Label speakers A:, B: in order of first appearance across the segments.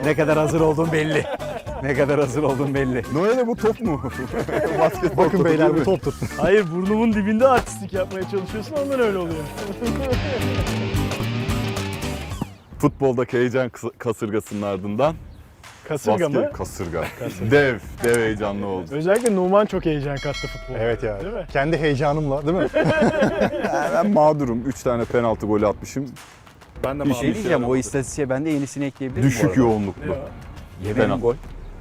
A: Ne kadar hazır olduğun belli. Ne kadar hazır olduğun belli.
B: Noel'e bu top mu? Basketbol
C: Bakın
B: topu
C: beyler
B: değil
C: bu
B: mi?
C: toptur.
D: Hayır, burnumun dibinde artistlik yapmaya çalışıyorsun, ondan öyle oluyor.
B: Futboldaki heyecan kasırgasının ardından
D: Kasırga mı?
B: Kasırga. Dev heyecanlı oldu.
D: Özellikle Numan çok heyecan kattı futbola.
C: Evet ya.
D: Değil mi?
C: Kendi heyecanımla değil mi?
B: Ben mağdurum. 3 tane penaltı golü atmışım.
E: Ben de
A: Bir şey diyeceğim, o istatistiğe ben de yenisini ekleyebilirim.
B: Düşük yoğunluklu.
A: Yemedim gol.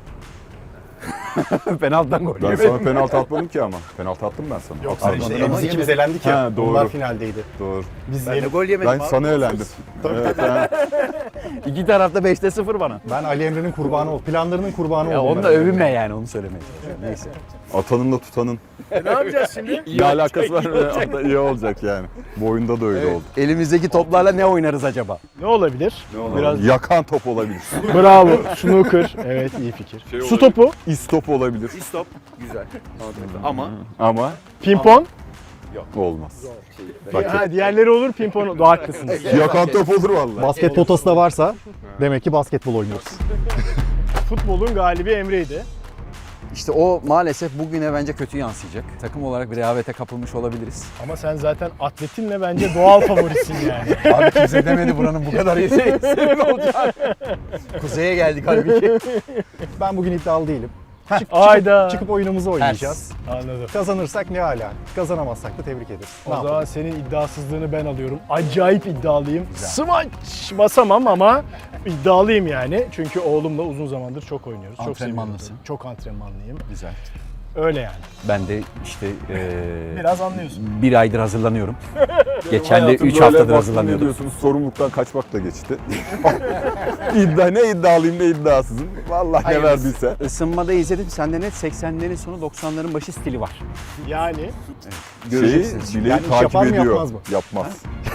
A: Penaltıdan gol.
B: Ben sana penaltı atmadım ki ama. Penaltı attım ben sana.
D: Yok,
B: Atmadım.
C: işte biz ikimiz elendik ya.
B: Ha, doğru.
C: Bunlar finaldeydi.
B: Doğru.
C: Biz
A: Ben de
C: yenip,
A: gol yemedim
B: Ben
A: abi.
B: sana elendim. Evet,
A: İki tarafta 5'te 0 bana.
C: ben Ali Emre'nin kurbanı oldum. Planlarının kurbanı
A: Ya
C: oldum.
A: onu da övünme yani, onu söylemeye çalışıyorum. Neyse.
B: atanın da tutanın
D: Ne yapacağız şimdi?
B: ne alakası var mı? İyi olacak yani. Bu oyunda da öyle oldu.
A: Elimizdeki toplarla ne oynarız acaba?
D: Ne olabilir? Biraz
B: Yakan top olabilir.
D: bravo. Snooker. Evet, iyi fikir.
E: Şey
D: Su
E: olabilir.
D: topu,
B: İstop olabilir.
E: Stop. Güzel. Mantıklı. Ama
B: Ama
D: pimpon.
B: olmaz. Bak,
D: Ha, diğerleri olur, pimpon. Haklısınız.
B: yakan top olur vallahi.
C: Basket potası da varsa demek ki basketbol oynuyoruz.
D: Futbolun galibi Emre'ydi.
A: İşte o maalesef bugüne bence kötü yansıyacak. Takım olarak bir rehavete kapılmış olabiliriz.
D: Ama sen zaten atletinle bence doğal favorisin yani.
A: Abi kimse demedi buranın bu kadar iyi senin olacak. Kuzeye geldik halbuki.
C: Ben bugün iddialı değilim.
D: Ayda.
C: Çıkıp oyunumuzu oynayacağız.
D: Anladım.
C: Kazanırsak ne hala. Kazanamazsak da tebrik ederiz.
D: O zaman senin iddiasızlığını ben alıyorum. Acayip iddialıyım. Smaç basamam ama iddialıyım yani. Çünkü oğlumla uzun zamandır çok oynuyoruz. Çok
A: Antrenmanlısın.
D: seviyorum. Çok antrenmanlıyım.
A: Güzel.
D: Öyle yani.
A: Ben de işte
D: Biraz anlıyorsun.
A: bir aydır hazırlanıyorum. Geçen de
B: Hayatım
A: 3
B: böyle
A: haftadır
B: baskın
A: hazırlanıyordum.
B: ediyorsunuz, sorumluluktan kaçmakla geçti. Ne iddialıyım ne iddiasızım. Vallahi ne verdiyse.
A: Isınmada izledim. Sende net 80'lerin sonu 90'ların başı stili var.
D: Yani
A: Göreceksiniz.
B: Bileği
C: Yani iş
B: takip
C: yapar mı,
B: ediyor.
C: yapmaz mı?
B: Yapmaz.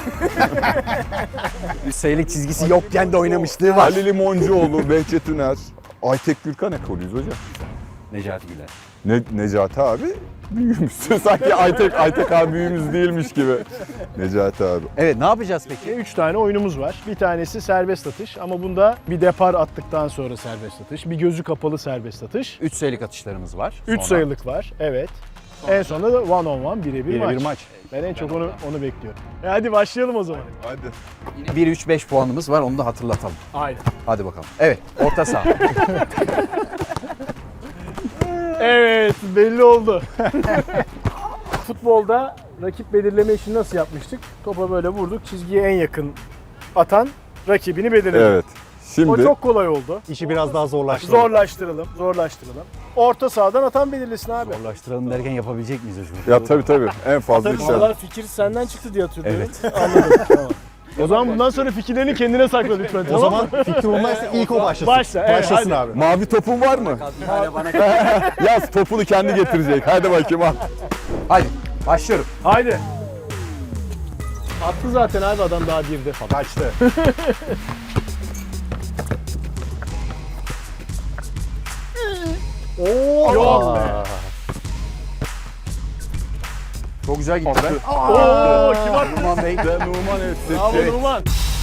A: Sayılık çizgisi yokken de oynamışlığı var.
B: Ali Limoncuoğlu, Behçet Üner, Aytek Gürkan ekolüyüz hocam.
A: Necati Güler.
B: Necati abi büyüğümüz. Sanki Aytek abi büyüğümüz değilmiş gibi. Necati abi.
A: Evet, ne yapacağız peki?
D: 3 tane oyunumuz var. Bir tanesi serbest atış ama bunda bir depar attıktan sonra serbest atış. Bir gözü kapalı serbest atış.
A: 3 sayılık atışlarımız var.
D: 3
A: Sonra
D: sayılık var. Evet. En sonunda da one on one birebir maç.
C: Bir maç.
D: Ben en çok onu bekliyorum. Hadi başlayalım o zaman.
B: Hadi.
A: 1-3-5 puanımız var, onu da hatırlatalım.
D: Aynen.
A: Hadi bakalım. Evet, orta saha.
D: Evet, belli oldu. Futbolda rakip belirleme işini nasıl yapmıştık? Topa böyle vurduk, çizgiye en yakın atan rakibini belirledi.
B: Evet. Şimdi
D: O çok kolay oldu.
C: İşi biraz daha zorlaştıralım.
D: Zorlaştıralım. Orta sahadan atan belirlesin abi.
A: Zorlaştıralım derken yapabilecek miyiz hocam?
B: ya tabii en fazla bir şey.
D: Vallahi fikir senden çıktı diye hatırlıyorum.
A: Evet.
D: Anladım. Tamam. O zaman bundan sonra fikirlerini kendine sakla lütfen.
C: O
D: tamam
C: zaman
D: mı?
C: fikri olmazsa ilk o başlasın.
D: Başla, evet,
C: Başlasın
D: hadi.
C: abi.
B: Mavi topun var mı? Yaz topunu kendi getirecek. Hadi bakayım al.
A: Hadi, başlıyorum.
D: Haydi. Attı zaten abi adam daha bir de falan.
C: Kaçtı. Oo.
D: Yok be.
A: Çok güzel gitti be.
D: Oo, kim attı?
A: Numan Bey.
B: Ve Numan etti.
D: Bravo Numan.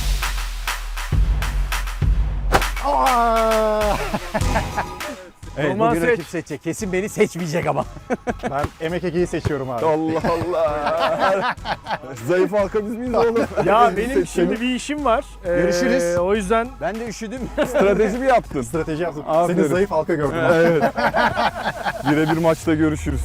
A: Evet,
D: Numan
A: bugün
D: seç.
A: rakip seçecek. Kesin beni seçmeyecek ama.
C: Ben Emek Ege'yi seçiyorum abi.
B: Allah Allah. Zayıf halka biz miyiz oğlum?
D: Ya benim şimdi bir işim var.
A: Görüşürüz.
D: O yüzden
A: Ben de üşüdüm.
B: Strateji mi yaptın?
C: Strateji yaptım.
B: Aferin.
C: Senin zayıf halka gördüm abi.
B: Evet. Birebir maçta görüşürüz.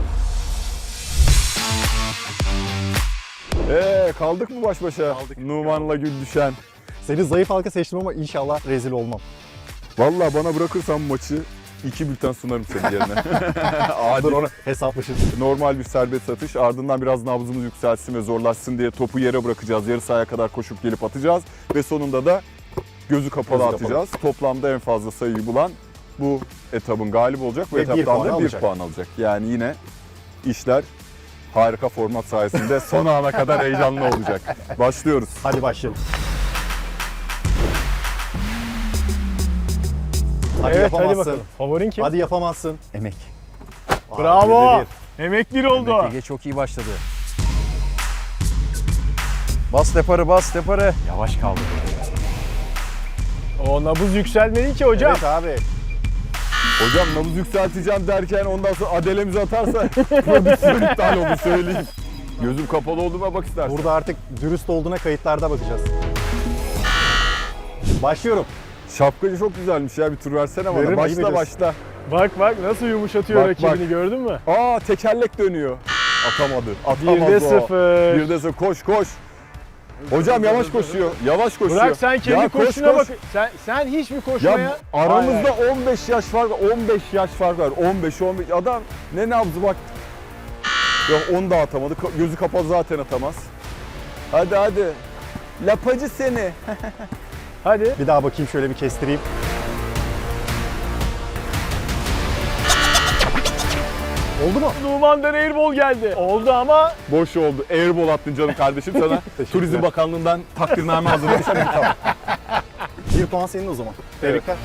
B: Kaldık mı baş başa? Kaldık. Numan'la Güldüşen.
C: Seni zayıf halka seçtim ama inşallah rezil olmam.
B: Vallahi bana bırakırsan maçı 2 bülten sunarım senin yerine.
C: Dur
B: Adil.
C: onu hesaplaşırız.
B: Normal bir serbest atış. Ardından biraz nabzımız yükselsin ve zorlaşsın diye topu yere bırakacağız. Yarı sahaya kadar koşup gelip atacağız. Ve sonunda da gözü kapalı atacağız. Toplamda en fazla sayıyı bulan bu etabın galibi olacak. Bu
C: Ve bir
B: etaptan
C: puan
B: da 1
C: alacak.
B: puan alacak. Yani yine işler harika format sayesinde son ana kadar heyecanlı olacak. Başlıyoruz.
C: Hadi başlayalım. Hadi
D: evet hadi
C: yapamazsın.
D: bakalım. Favorin kim?
C: Hadi yapamazsın.
A: Emek.
D: Bravo.
C: Birde bir.
D: Emek bir oldu.
A: Ege çok iyi başladı. Bas deparı, bas deparı. Yavaş kaldı.
D: O nabız yükselmedi ki hocam.
C: Evet abi.
B: Hocam nabız yükselteceğim derken ondan sonra adelemizi atarsa prodüksiyon iptal oldu söyleyeyim. Gözüm kapalı olduğuma bak istersen.
C: Burada artık dürüst olduğuna kayıtlarda bakacağız. Başlıyorum.
B: Şapkacı çok güzelmiş ya, bir tur versene bana.
C: Veririm, iyi
B: Başla
C: bilirsin.
B: başla.
D: Bak nasıl yumuşatıyor
B: Bak,
D: rakibini
B: bak.
D: gördün mü?
B: Aa, tekerlek dönüyor. Atamadı. Atamaz
D: 1'de
B: o.
D: 0.
B: 1'de 0. Koş. Hocam yavaş koşuyor. Yavaş koşuyor.
D: Bırak sen kendi
B: Ya koş,
D: koşuna
B: koş.
D: bak. Sen hiç mi koşmaya?
B: Ya aramızda 15 yaş fark var. 15 yaş fark var. 15. Adam ne nabzı bak. Yok, onu da atamadı. Gözü kapalı zaten atamaz. Hadi. Lapacı seni.
D: Hadi.
C: Bir daha bakayım, şöyle bir kestireyim. Oldu mu?
D: Numan'dan airball geldi. Oldu ama
B: Boş oldu. Airball attın canım kardeşim sana. Turizm Bakanlığı'ndan takdirname hazırlamış. Tamam.
C: 1 puan senin o zaman. Tebrikler.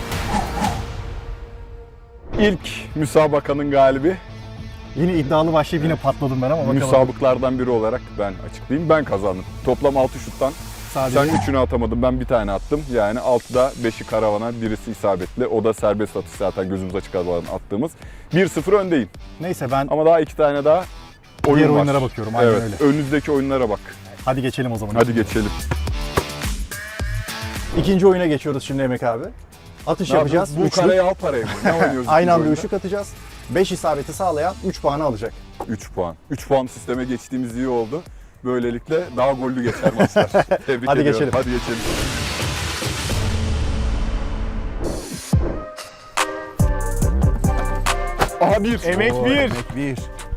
B: İlk müsabakanın galibi.
C: Yine iddialı başlayıp yine patladım ben ama bakalım.
B: Müsabıklardan biri olarak ben açıklayayım. Ben kazandım. Toplam 6 şuttan.
C: Sadece
B: Sen 3'ünü atamadın, ben bir tane attım. Yani 6'da 5'i karavana, birisi isabetli. O da serbest atış zaten gözümüz açık alan attığımız. 1-0 öndeyim.
C: neyse, ben
B: Ama daha 2 tane daha oyun
C: diğer
B: var.
C: oyunlara bakıyorum. Aynen
B: Evet,
C: öyle.
B: önünüzdeki oyunlara bak.
C: Hadi geçelim o zaman.
B: Hadi geçelim.
C: İkinci oyuna geçiyoruz şimdi Emek abi. Atış yapacağız.
B: Bu
C: Üçlü.
B: karayı al parayı mı? Ne oynuyoruz?
C: Aynı
B: ikinci
C: anda
B: oyunda?
C: ışık atacağız. 5 isabeti sağlayan 3 puanı alacak.
B: 3 puan. 3 puan sisteme geçtiğimiz iyi oldu. Böylelikle daha gollü geçer maçlar. Tebrik
C: Hadi
B: ediyorum.
C: geçelim.
B: Hadi geçelim. Aha bir.
D: emek
A: Oo,
D: 1.
A: Emek 1.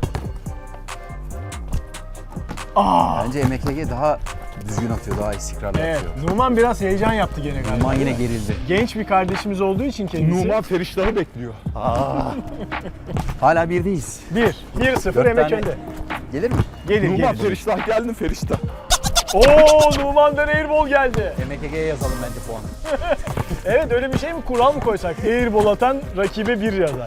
A: Bence MKG daha düzgün atıyor, daha istikrarlı
D: Evet.
A: atıyor.
D: Numan biraz heyecan yaptı gene galiba.
A: Numan yine gerildi.
D: Genç bir kardeşimiz olduğu için kendisi.
B: Numan Feriştah'ı bekliyor.
A: Hala birdeyiz.
D: 1-0
A: Dört
D: Emek
A: tane-
D: önde.
A: Gelir mi?
D: Gelir
B: Numan
D: gelir.
B: Feriştah geldin Feriştah.
D: Oo Numan'dan airball geldi.
A: MKG'ye yazalım bence puanı.
D: Evet, öyle bir şey mi, kural mı koysak? Airball atan rakibe 1 yazar.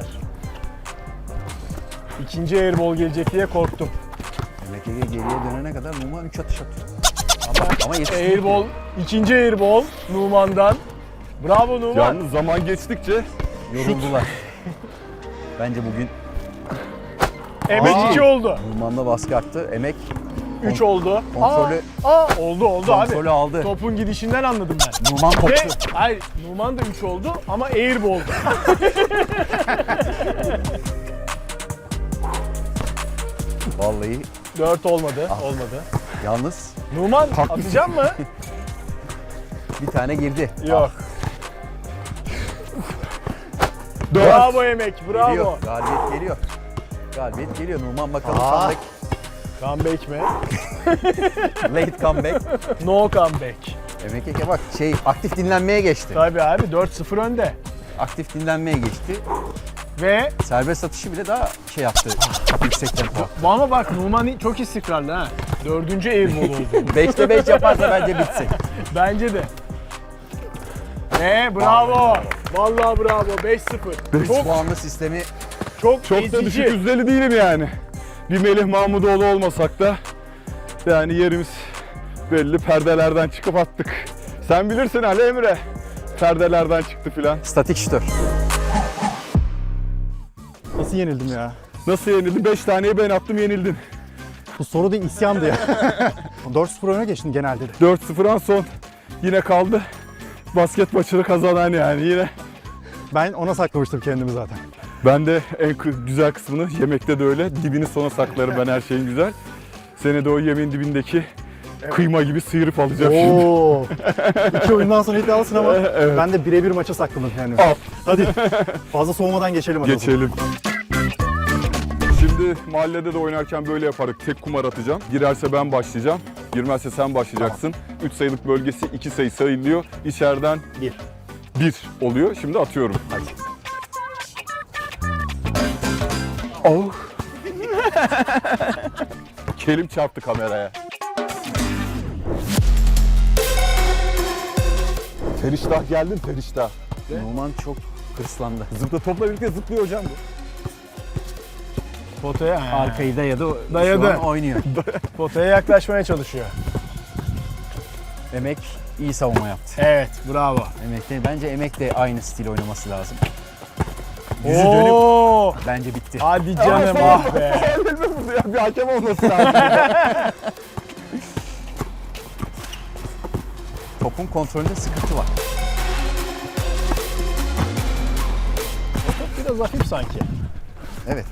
D: İkinci airball gelecek diye korktum.
A: MKG geriye dönene kadar Numan 3 atış atıyor. Ama yetişmiyor.
D: Airball, ikinci airball Numan'dan. Bravo Numan.
B: Yalnız zaman geçtikçe
A: Yoruldular. Bence bugün
D: Emek 2 oldu.
A: Numan'da baskı arttı. Emek
D: 3 oldu.
A: kontrolü,
D: Oldu abi.
A: kontrolü aldı.
D: Topun gidişinden anladım ben.
A: Numan
D: Ve
A: koptu.
D: hayır, Numan da 3 oldu ama airball.
A: Vallahi
D: 4 olmadı. Olmadı.
A: yalnız
D: Numan atacak mı?
A: bir tane girdi.
D: Yok. Bravo Emek, bravo.
A: Geliyor. Galibiyet geliyor. Galibiyet geliyor. Numan bakalım
C: Aa.
D: Comeback mi?
A: late comeback.
D: No comeback.
A: MKG bak aktif dinlenmeye geçti.
D: Tabii abi 4-0 önde.
A: Aktif dinlenmeye geçti.
D: Ve
A: Serbest atışı bile daha yaptı. Yüksek tempo.
D: ama bak Numan çok istikrarlı ha. 4. airball oldu.
A: 5'te 5 yaparsa bence bitsin.
D: Bence de. Bravo. Vallahi bravo. 5-0.
A: 3 puanlı sistemi
B: çok da
D: ezici.
B: düşük yüzdeli değilim yani. Bir Melih Mahmudoğlu olmasak da yani yerimiz belli, perdelerden çıkıp attık. Sen bilirsin Ali Emre. Perdelerden çıktı filan.
A: statik şütör.
C: Nasıl yenildim ya?
B: Nasıl yenildin? 5 taneyi ben attım, yenildin.
C: Bu soru da isyandı ya. 4-0 öne geçtin genelde de.
B: 4-0'dan son yine kaldı. Basket maçını kazanan yani yine.
C: Ben ona saklamıştım kendimi zaten.
B: Ben de en güzel kısmını yemekte de öyle. Dibini sona saklarım ben her şeyin güzel. Seni de o yemeğin dibindeki kıyma gibi sıyırıp alacağım şimdi.
C: Oo. 2 oyundan sonra iddialısın ama
B: Evet.
C: ben de birebir maça sakladım kendimi.
B: Al.
C: Hadi fazla soğumadan geçelim hadi. o zaman.
B: Geçelim. Şimdi mahallede de oynarken böyle yaparız. Tek kumar atacağım. Girerse ben başlayacağım. Girmezse sen başlayacaksın. 3 sayılık bölgesi 2 sayı sayılıyor. İçeriden 1 oluyor. Şimdi atıyorum. Hadi. Oh. Kelim çarptı kameraya. Feriştah geldin Feriştah.
A: Numan çok hırslandı.
B: Topla birlikte zıplıyor hocam bu.
D: Potaya,
A: Arkayı dayadı.
D: Dayadı.
A: Şu an oynuyor.
D: potaya yaklaşmaya çalışıyor.
A: Emek iyi savunma yaptı.
D: Evet, bravo.
A: Bence Emek de aynı stil oynaması lazım. Yüzü dönüp
D: Oo!
A: bence bitti.
D: Hadi canım ah be.
B: Ya bir hakem olması lazım.
A: Topun kontrolünde sıkıntı var.
D: Biraz hafif sanki.
A: Evet.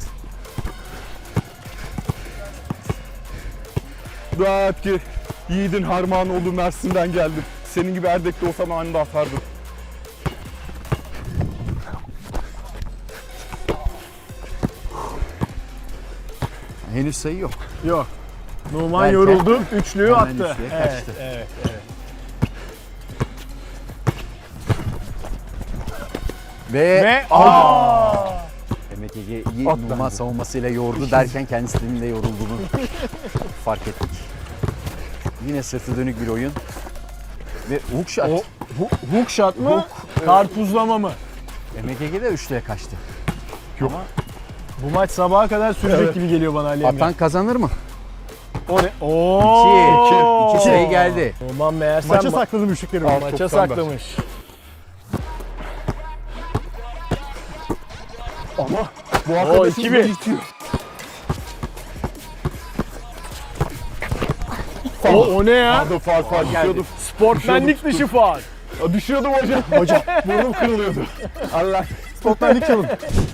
B: Dua et ki yiğidin Harmanoğlu Mersin'den geldim. Senin gibi Erdek'te olsam anında atardım.
A: Henüz sayı yok.
D: Yok. Numan
A: Belki.
D: yoruldu, üçlüyü
A: Hemen
D: attı.
A: üçlüye
D: Evet,
A: kaçtı.
D: evet. Ve
A: Emek Ege'yi Numan savunmasıyla yordu derken kendisinin de yorulduğunu fark ettik. Yine sırtı dönük bir oyun. Ve hook shot.
D: o hook shot mı? Karpuzlama mı?
A: Emek Ege de üçlüye kaçtı.
D: Bu maç sabaha kadar sürecek
B: Evet.
D: gibi geliyor bana Ali Emre.
A: Atan kazanır mı?
D: O ne? Oo!
A: İki sayı geldi.
D: Numan meğersem
C: Maça sakladım üçlükleri.
B: Al.
D: maça
B: Toptan ver.
D: saklamış.
B: Ama bu
D: Oo,
B: arkadaşım
D: 2-1.
B: beni itiyor.
D: O ne ya?
B: Pardon faul düşüyordum.
D: Sportmenlik dışı faul.
B: Düşüyordum hocam. Hocam burnum kırılıyordu. Allah.
C: Toplandık çalın.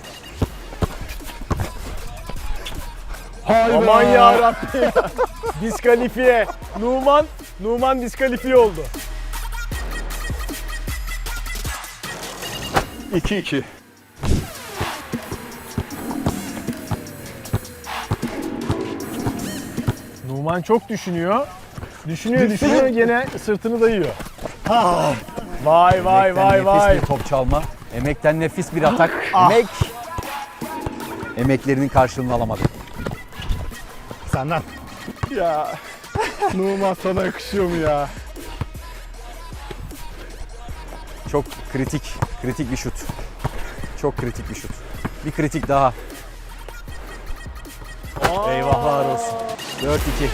B: Hayır.
D: Aman yarabbim. Diskalifiye. Numan diskalifiye oldu.
B: 2-2.
D: Numan çok düşünüyor. Düşünüyor gene sırtını dayıyor. Vay
A: Emekten
D: vay.
A: nefis bir top çalma. Emekten nefis bir atak. Emek emeklerinin karşılığını alamadı.
C: Senden.
B: Ya. Numan sana yakışıyor mu ya?
A: Çok kritik bir şut. Çok kritik bir şut. Bir kritik daha. Eyvahlar olsun. 4-2.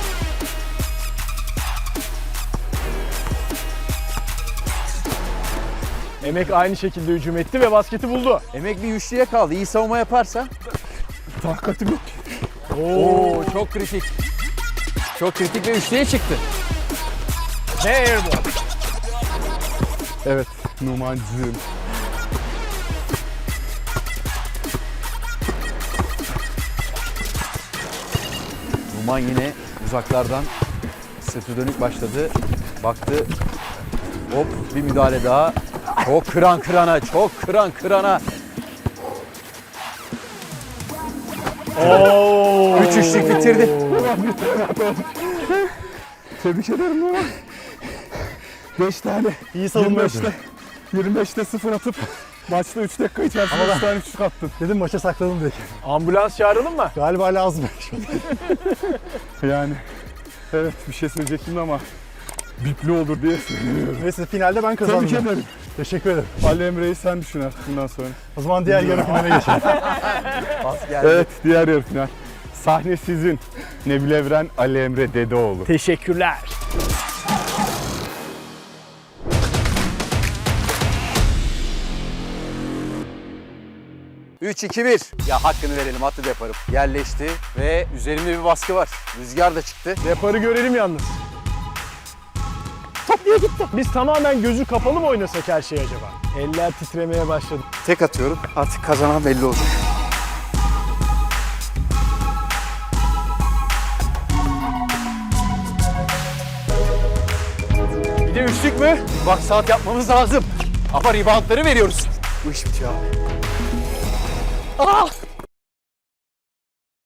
D: Emek aynı şekilde hücum etti ve basketi buldu.
A: Emek bir üçlüye kaldı. İyi savunma yaparsa.
B: Takatim yok.
A: Oo, çok kritik. Çok kritik ve üçlüye çıktı.
D: Ve airball.
B: Evet. Numancığım.
A: Numan yine uzaklardan sırtı dönük başladı. Baktı. Hop bir müdahale daha. Çok kıran kırana.
D: Oo.
A: 3 üçlük bitirdi.
B: Tebrik ederim Numan. 5 tane.
C: İyi savunma yaptın.
B: 25'te 0 atıp maçta 3 dakika içerisinde 3 tane üçlük attın.
C: Dedim maça sakladım diye.
D: Ambulans çağıralım mı?
C: Galiba lazım.
B: Yani evet bir şey söyleyecektim ama bipli olur diye söylüyorum.
C: Neyse finalde ben kazandım.
B: Tebrik ederim.
C: Teşekkür ederim.
B: Ali Emre'yi sen düşün artık bundan sonra.
C: O zaman diğer yarı finale geçelim.
A: Pas geldi.
B: Evet diğer yarı final. Sahne sizin. Nebil Evren, Ali Emre Dedeoğlu.
D: Teşekkürler.
A: Üç, 2-1. Ya hakkını verelim, attı deparım. Yerleşti ve üzerimde bir baskı var. Rüzgar da çıktı.
D: Deparı görelim yalnız. Top niye gitti? Biz tamamen gözü kapalı mı oynasak her şey acaba? Eller titremeye başladı.
A: Tek atıyorum. Artık kazanan belli olacak. Bir de üçlük mü? Bak saat yapmamız lazım. Ama reboundları veriyoruz. Bu iş bitiyor abi.